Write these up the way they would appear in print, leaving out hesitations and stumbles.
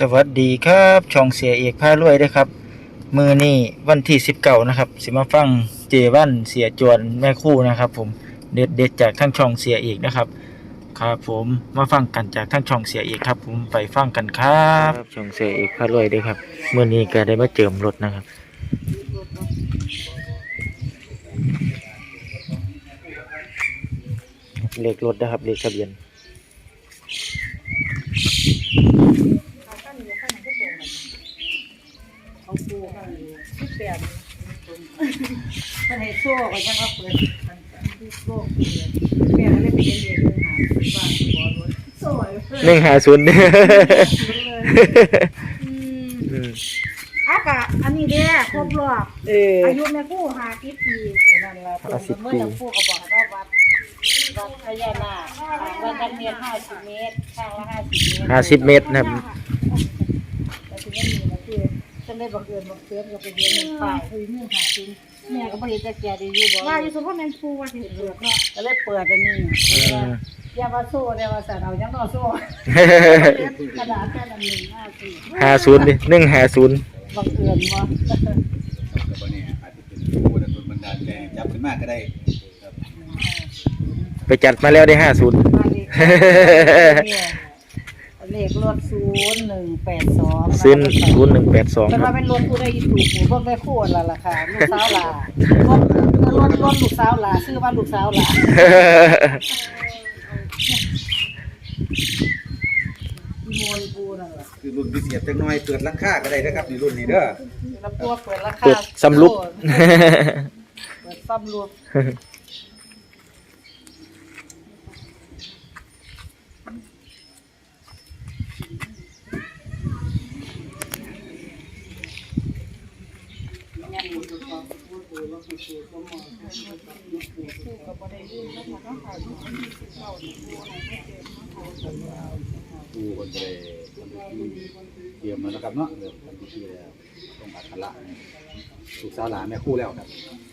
สวัสดีครับช่องเสียเอกพารวยด้วยครับมือนี่วันที่19นะครับสิมาฟังเจวันเสียจวนแม่คู่นะครับผมเด็ดจากทั้งช่องเสียเอกนะครับครับผมมาฟังกันจากทั้งช่องเสียเอกครับผมไปฟังกันครับช่องเสียเอกพารวยด้วยครับมือนี้ก็ได้มาเจิมรถนะครับเลขรถนะครับเลขทะเบียนเขาปูกันที่เปลี่ยนมันให้โซ่ก็ยังเอาเปิดที่โซ่เปลี่ยนอะไรเป็นเรียนเลยหาว่าบอลรถโซ่ 150 อากะอันนี้เด้ครบรอบอายุแม่กู้50 ปีนั่นแหละเมื่อยังกู้ก็บอกว่าวัดพญานาควัดกันเมียน50 เมตรข้างละ50 เมตร 50 เมตรนะครับแต่ที่นี่มันคือจะได้บังเอิญบังเอิญก็ไปเรียนในป่าคือเนื่องหาจริงแม่ก็บ่เห็นจะแก่ดีอยู่บ่ว่าอยู่สมพรแม่นปูว่าสิเปิดเนาะก็เลยเปิดอันนี้อย่ามาโซ่เดี๋ยวว่าสั่นเอายังนอโซ่กระดาษแค่นั้น 50ดิ150 บังเอิญบ่ก็บ่แน่อาจจะเป็นผู้ดลบันดาลแรงจับขึ้นมาก็ได้ครับไปจัดมาแล้วได้50 เลขรถ0182 ซื้อ0182 เป็นว่าเป็นรถผู้ได้อีถูกผู้เบิ่งได้คู่ละล่ะค่ะลูกสาวหลารถลูกสาวหลาซื้อว่าลูกสาวหลาโมนปูนั่นล่ะคือรุ่นพิเศษจักหน่อยเปิดราคาก็ได้นะครับในรุ่นนี้เด้อแล้วปัวเปิดราคาเปิดสำลุกเปิดสำลุกผู้คนไปเตรียมมาแล้วครับเนาะเดี๋ยวทำพิธีแล้วต้องอัคระลูกสาวหลานแม่คู่แล้วครับ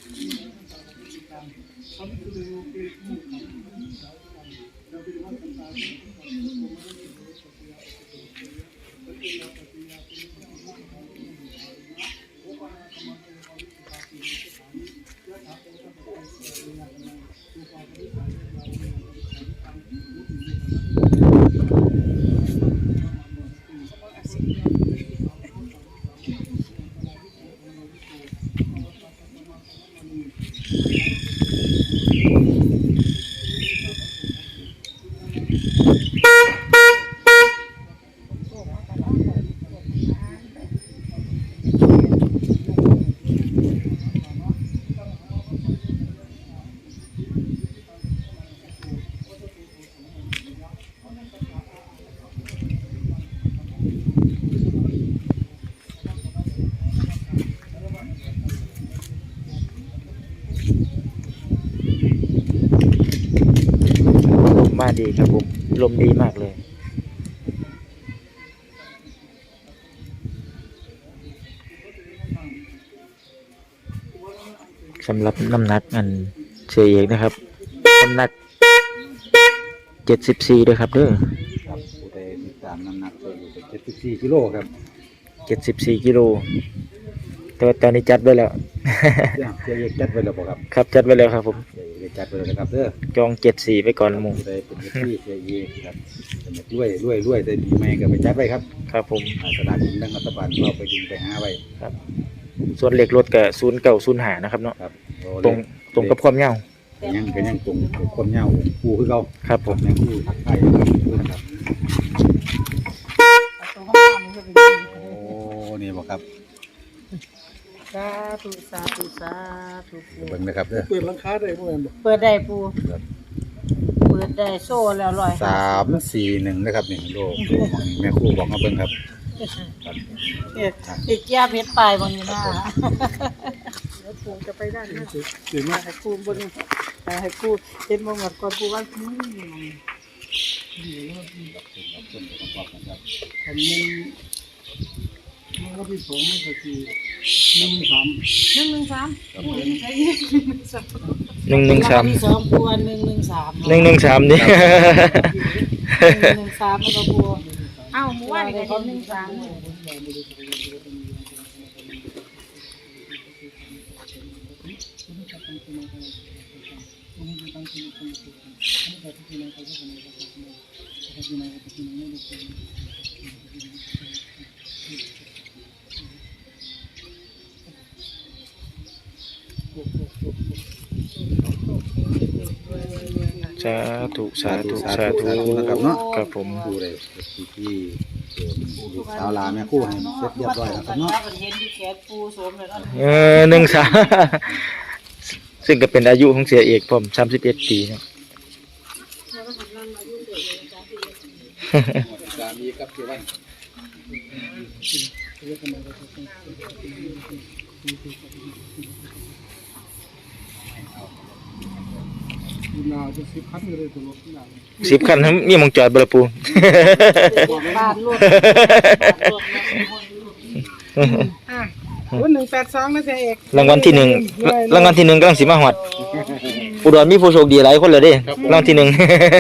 มาดีครับผมลมดีมากเลยสำหรับน้ำหนักอันเสียเอกนะครับน้ำหนัก74ด้วยครับเด้อครับผู้ใดติดตามน้ำหนักตัวอยู่74 กิโลครับ 74 กิโลแต่ตอนนี้จัดไว้แล้วเสียเอกจัดไว้แล้วบ่ครับครับจัดไว้แล้วครับผมเสียเอกจัดไว้แล้วนะครับเด้อจอง74ไปก่อนหมู่ได้เป็นที่เสียเอกครับจะรวยได้ปีใหม่ก็ไปจัดไว้ครับครับผมสถานที่นั่งรัฐบาลเราไปดึงไปหาไว้ครับส่วนเลขรถก็0905นะครับเนาะครับตรงกับความยาวยังตรงความยาวปูคือเราครับผมยังปูทักทายนะครับโอ้นี่บ่ครับสาธุเบิ่งนะครับเด้อเปิดราคาได้บ่แม่นบ่เปิดได้ปูเปิดได้โซ่แล้ว 341นะครับนี่โลแม่ครูบอกมาเบิ่งครับอีกแก้เพชรปลายบนนี้นะแล้วปูจะไปได้นะถึงมาให้ปูบนให้ปูเฮ็ดบ่หมดก่อนปูว่ามันก็ที่2มันก็คือ113ปูนี่ใช้ 113 ที่2ปู113 113นี่ 113มันก็ปูเอาหมู่ว่านี่ก็เห็น13 สาธุสาธุสาสาธุธุสาธุนะครับเนาะครับผมผู้ใดที่ลูกสาวหลานแม่ครู่ให้เสร็จเรียบร้อยแล้วครับเนาะเห็นที่แขนปูสวมเลยเนาะ 13ซึ่งก็เป็นอายุของเสียเอกผม31 ปีนะสามีกับเจ้าวัน 10 คันทั้งมีหมองจอดบ่ล่ะปูบ้านรถ 182นะเสียเอกรางวัลที่1รางวัลที่1กำลังสิมาฮอดอุดรมีผู้โชคดีหลายคนเลยเด้รางวัลที่1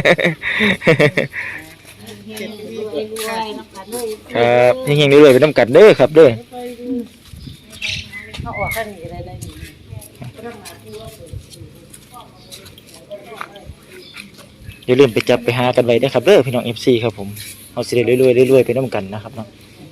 ครับเฮงๆเรื่อยๆไปนำกันเด้อครับเด้อเขาออกข้างนี้ได้อย่าลืมไปจับไปหากันไว้เด้อครับเด้อพี่น้อง FC ครับผมเฮาสิได้รวยๆรวยๆไปนำกันนะครับเนาะ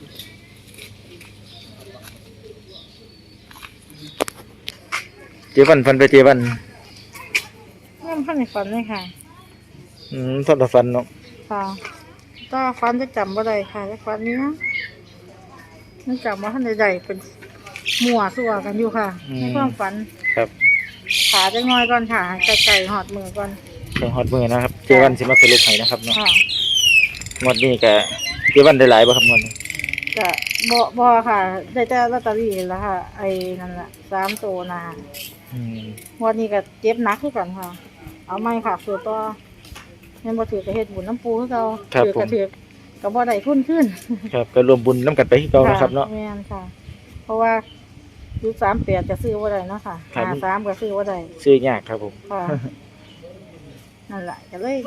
เจวันฟันไปเจวันนั่นพันในฝันเลยค่ะฟันต่อฟันเนาะค่ะก็ฝันจะจำบ่ได้ค่ะแต่ฝันนี้นะมันจำว่าท่านใดๆเป็นมั่วสั่วกันอยู่ค่ะในความฝันครับขาจะงอยก่อนค่ะไก่หอดมือก่อนเครื่องฮอดมือนะครับเจวันสิมาสรุปให้นะครับเนาะค่ะงวดนี้ก็เจวันได้หลายบ่ครับงวดนี้จะบ่ค่ะได้แต่ลอตเตอรี่แล้วค่ะ ไอ้นั่นแหละ3ตัวนะอืมวันนี้ก็เจ็บหนักคือกันค่ะ เอาไม่ค่ะส่วนตัวยังบ่ถือกับเฮ็ดบุญน้ำปูคือเก่าถือกระถือกับบ่ได้ทุนขึ้นครับก็รวมบุญนํกันไปคือเก่านะครับเนาะแม่นค่ะ เพราะว่ายุค38จะซื้อบ่ได้เนาะค่ะครับ 53ก็ซื้อบ่ได้ซื้อยากครับผมค่ะ นั่นแหละก็เลย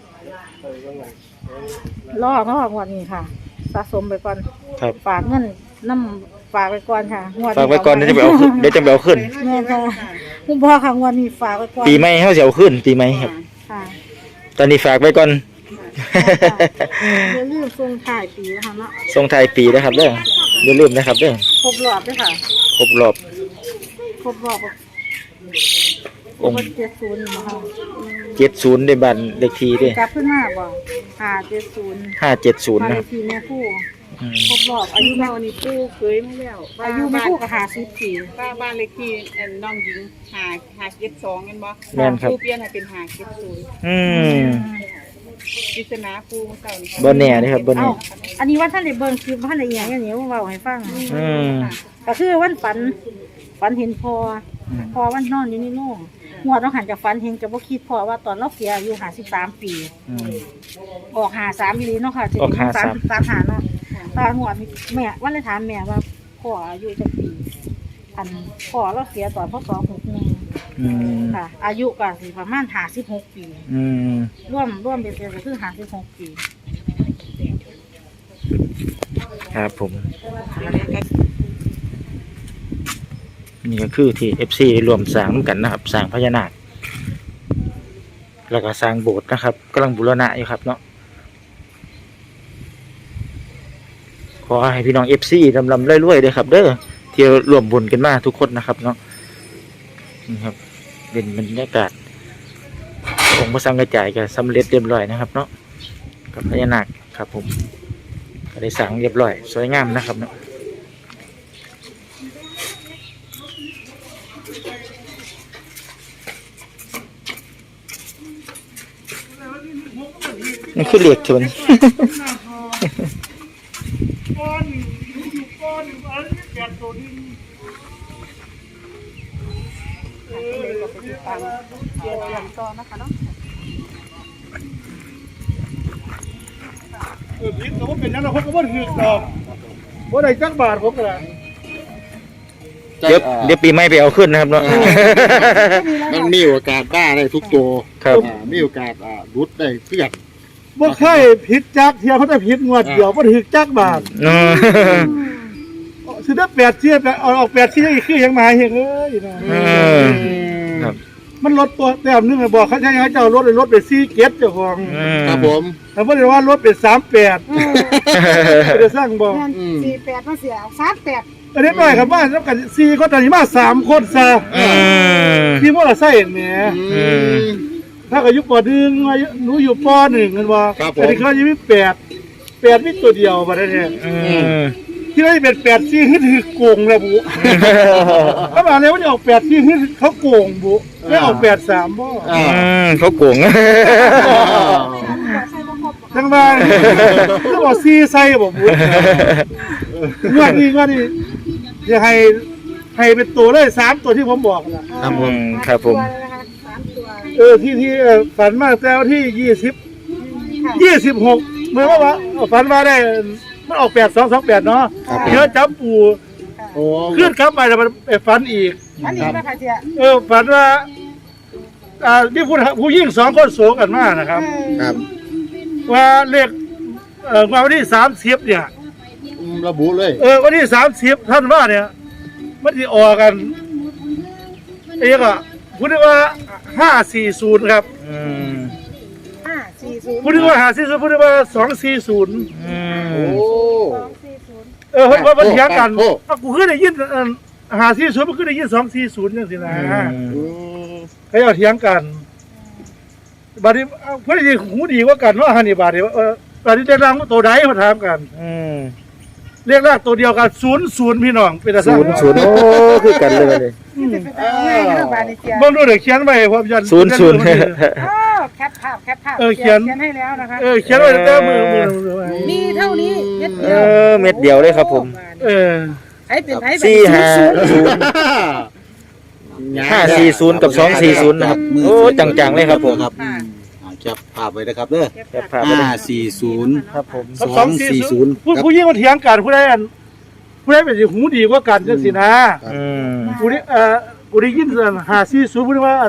รอเนาะงวดนี้ค่ะ สะสมไปก่อนครับฝากเงินน้ำฝากไปก่อนค่ะงวดฝากไว้ก่อนเดี๋ยวจะไปเอาขึ้นเดี๋ยวจะไปเอาขึ้นแม่นค่ะคุณพ่อค่ะงวดนี้ฝากไว้ก่อนปีใหม่เฮาสิเอาขึ้นปีใหม่ครับค่ะตอนนี้ฝากไว้ก่อนอย่าลืมส่งท้ายปีนะคะเนาะส่งท้ายปีนะครับเด้ออย่าลืมนะครับเด้อครบรอบด้วยค่ะครบรอบครบรอบองค์ 70นะคะ 70ในบ้านเลขที่เด้กลับขึ้นมาบ่570 570 มานะเลครับขที่แม่คู่อืมครบรอบอายุเราแม่นี่ปูเคยมาแล้วอายุแม่คู่ก็50ปีบ้านเลขที่น้องหญิง572กันบ่แม่นครับปูเปลี่ยนให้เป็น570 อืมปริศนาปูเมื่อเช้านี่บ่แน่เด้อครับบ่แน่เอ้าอันนี้ว่าท่านได้เบิ่งคลิปว่าท่านได้อีหยังอย่างนี้เว้าให้ฟังอืมก็คือวันฝันเห็นพ่อพ่อวันนอนอยู่ในโรงหัวต้องหันจากฝันเห็นจะบ่คิดพ่อว่าตอนเราเสียอายุ53ปีอืมออก53อีหลีเนาะค่ะออก53 3หาเนาะตอนหัวนี่แม่วันเลยถามแม่ว่าพ่ออายุจักปีอันพ่อเราเสียตอนพศ61 อืมค่ะ อายุก็สิประมาณ56ปีอืมร่วมเป็นเดือนก็คือ56ปีครับผม นี่ก็คือที่ FC รวมสร้างกันนะครับสร้างพญานาคแล้วก็สร้างโบสถ์นะครับกำลังบูรณะอยู่ครับเนาะขอให้พี่น้อง FC ลำๆรวยๆด้วยครับเด้อที่รวมบุญกันมาทุกคนนะครับเนาะนี่ครับเป็นบรรยากาศองค์พระสังฆจายก็สำเร็จเรียบร้อยนะครับเนาะกับพญานาคครับผมก็ได้สร้างเรียบร้อยสวยงามนะครับเนาะนี่คือเหล็กชนผิดแต่ว่าเป็นยังไงผมก็บ่ถือดอกบ่ได้จักบาทผมก็ได้เดี๋ยวปีใหม่ไปเอาขึ้นนะครับเนาะมันมีโอกาสบ้าได้ทุกตัวครับมีโอกาสรุดได้เพื่อนบ่เคยผิดจักเที่ยเขาจะผิดงวดเดียวบ่ถึกจักบาทเออสิได้8เที่ยออก8เที่ยอีกคือยังมาเฮ็ดเลยนะเออครับมันลดตัวแต้มนึงบอกเขาใช้ให้เจ้ารถเลยลดไป4เก็บเจ้าของครับผมแต่บ่ได้ว่ารถเป็น38บ่ได้สร้างบ่แม่น48มาเสียเอา38 อันนี้น้อยครับว่าแล้วกัน4คนตอนนี้มา3คนซะ ที่มอเตอร์ไซค์แหมถ้าก็อยู่ป .1 หนูอยู่ป .1 กันว่าอันนี้เขาจะมี8มีตัวเดียวบัดนี้ที่ได้เป็น8ซี่คือโกงแล้วบุเขาบอกเลยว่าจะออก8ซี่คือเขาโกงบุไม่ออก83บ่เขาโกงจังว่าเขาบอกซี่ใส่บ่บุงวดนี้จะให้เป็นตัวเลย3ตัวที่ผมบอกน่ะครับผมครับผมตัวที่ฝันมาแต่วันที่26เมื่อว่าฝันมาได้มันออก8228เนาะเยอะจับปูโอ้ขึ้นครับไปแล้วมันไปฝันอีกอันนี้นะคะเสียฝันว่าที่ผู้ยิ่ง2คนโสกันมานะครับครับว่าเลขวันที่30เนี่ยระบุเลยวันที่30ท่านว่าเนี่ยมันสิออกกันก็พูดได้ว่า540ครับ 540 พูดได้ว่า540พูดได้ว่า240 โอ้เฮ้ยว่ามันเถียงกันกูคือได้ยิน540มันคือได้ยิน240จังซี่นะเขาเอาเถียงกันบัดนี้เพิ่นสิหูดีกว่ากันเนาะหั่นนี่บาดนี้บัดนี้ได้ร่างตัวใดมาถามกันเรียกรากตัวเดียวกัน00พี่น้องเป็นซั่น 0โอ้คือกันเลยง่ายนะบาดนี้เสียเบิ่งดูเด้เขียนไว้ผมยัน 00 แคปภาพเขียนให้แล้วนะคะเขียนไว้แต่มือมีเท่านี้เม็ดเดียวเม็ดเดียวเลยครับผมให้เป็นให้แบบ 540กับ240นะครับโอ้จังๆเลยครับผมครับแคปภาพไว้นะครับเด้อแคปภาพไว้เลย 540 ครับผม 240 ผู้ยิ่งมาเถียงกันผู้ใดเป็นสิหูดีกว่ากันจังซี่นะกูได้ยิน540ผู้ได้ว่า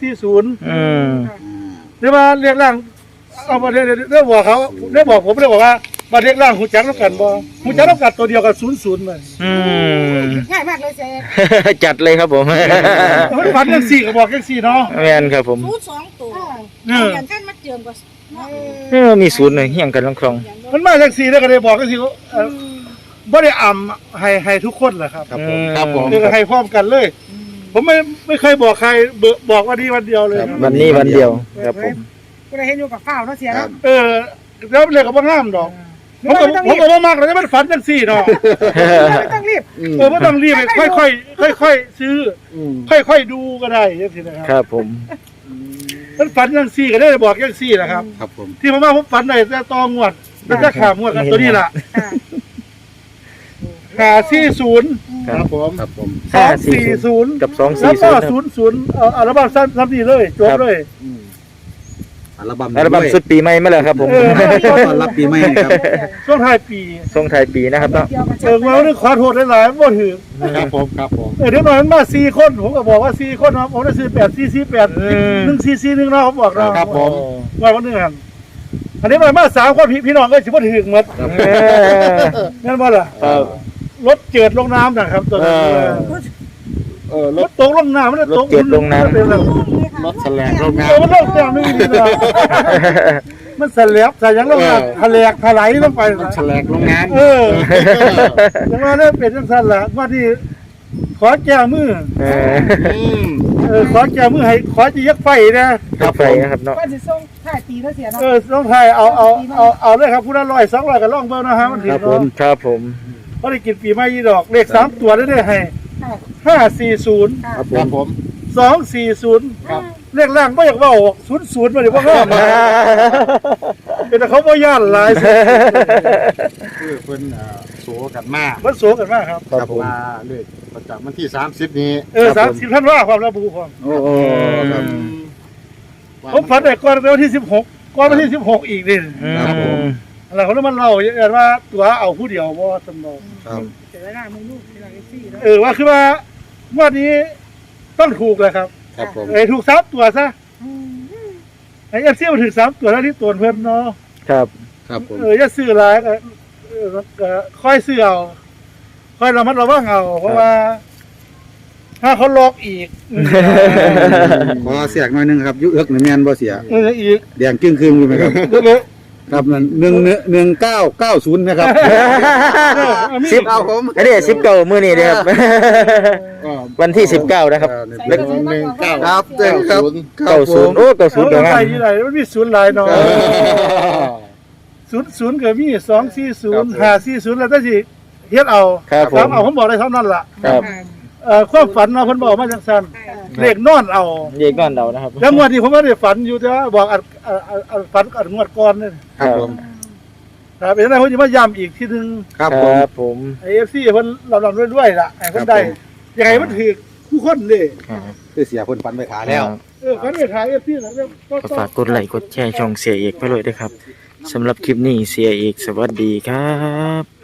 240หรือว่าเรียกร่างเอามาได้บอกเขาได้บอกผมได้บอกว่ามาเรียกร่างหูจักนำกันบ่หูจักนำกันตัวเดียวกัน00มันง่ายมากเลยเสียจัดเลยครับผมมันฝันจังซี่ก็บอกจังซี่เนาะแม่นครับผม 2ตัวอย่างกันมาเจิมก็มีศูนย์เลยเฮียงกันคลองมันมาจังซี่แล้วก็ได้บอกจังซี่บ่ได้ให้ทุกคนแหละครับครับผมครับผมคือให้พร้อมกันเลย ผมไม่เคยบอกใครบอกวันนี้วันเดียวเลยวันนี้วันเดียวครับผมก็ได้เห็นอยู่กับข้าวเนาะเสียเนาะแล้วเลยก็บ่งามดอกผมก็บ่มักเลยมันฝันจังซี่เนาะไม่ต้องรีบบ่ต้องรีบค่อยๆซื้อค่อยๆดูก็ได้จังซี่นะครับครับผมมันฝันจังซี่ก็ได้บอกจังซี่นะครับครับผมที่ผมฝันได้แต่ตองวดแล้วจะขามวดกันตัวนี้ล่ะ540 ครับผมครับผม 240 กับแล้วก็ 240 00อัลบั้มซ้ำนี่เลยจบเลยอัลบั้มอัลบั้มสุดปีใหม่มาแล้วครับผมตอนรับปีใหม่ครับช่วงท้ายปีส่งท้ายปีนะครับเนาะว่าเรื่องขอโทษหลายๆบ่ถือครับผมครับผมเดี๋ยวหน่อยมันมา4คนผมก็บอกว่า4คนนะผมได้ซื้อ8 1 เนาะผมบอกเราครับผมว่าวันนึงอันนี้มา3คนพี่น้องก็สิบ่ถึงหมดแม่นบ่ล่ะครับรถเจิดลงน้ำนะครับตัวนั้นรถตกลงน้ำมันตกรถแสลงโรงงานมันลงแต้มนึงนี่นะมันสลับใส่ยังลงน้ำทะเลถลายลงไปแสลงโรงงานยังว่าได้เป็นจังซั่นล่ะว่าที่ขอแก้มือขอแก้มือให้ขอจะยักไฟนะครับไฟนะครับเนาะก็จะส่งถ่ายตีเนาะเสียเนาะต้องไทยเอาเลยครับผู้ละ100 200ก็ลองเบิ่งนะฮะมันถึงครับผมบ่ได้กินปีใหม่ยี่ดอกเลข3ตัวได้ให้540 ครับผม 240ครับเลขล่างบ่อยากเว้า00บ่ได้บ่งามเป็นแต่เขาบ่ย่านหลายคือเพิ่นโสกันมากมันโสกันมากครับครับผมมาเลยประจำวันที่30นี้ 30ท่านว่าความระบุความโอ้ครับผมฝันได้ก่อนวันที่16ก่อนวันที่16อีกนี่ครับผมแล้วเขาเลยมันเล่าอย่างว่าตัวเอาผู้เดียวบ่สำนองครับเสียหน้ามึงลูกเสียหน้าซี่เนาะว่าคือว่าวันนี้ต้องถูกเลยครับครับผมถูก3ตัวซะไอ้ FC มันถึง3ตัวแล้วที่ตัวเพิ่นเนาะครับครับผมอย่าซื้อหลายก็ค่อยซื้อเอาค่อยระมัดระวังเอาเพราะว่า ถ้าเขาล็อกอีกขอเสียกหน่อยหนึงครับยุเอิกนี่แม่นบ่เสียอีกแดงจึ้งครึ่งอยู่ไหมครับ ครับนั่น1990นะครับสิบครับผมอันนี้19มื้อนี้เด้อครับ วันที่19นะครับครับเจ้าครับ 90โอ้90 เดี๋เดี๋ยยว วใส่งามที่ไหนมันมีศูนย์หลายเนาะศูนย์ก็มี240 540แล้วแต่สิเฮ็ดเอาครับผมเอาผมบอกได้เท่านั้นล่ะครับความฝันเนาะเพิ่นบอกมาจังซั่นเลขนอนเอาเด็กก่อนเดานะครับแล้วงวดนี้ผมว่าได้ฝันอยู่แต่ว่าบอกอันฝันอันงวดก่อนนี่ครับผมครับเป็นจังได๋ผมสิมาย้ำอีกทีนึงครับคผมรับผม AFC เพิ่นลำๆรวยๆล่ะให้เพิ่นได้ยังไงมันถูกผู้คนเด้ครับคือเสียคนฟันไปขาแล้วฝันไปถ่าย AFC แล้วก็ก็ฝากกดไลค์กดแชร์ช่องเสียเอกไปเลยด้วยครับสำหรับคลิปนี้เสียเอกสวัสดีครับ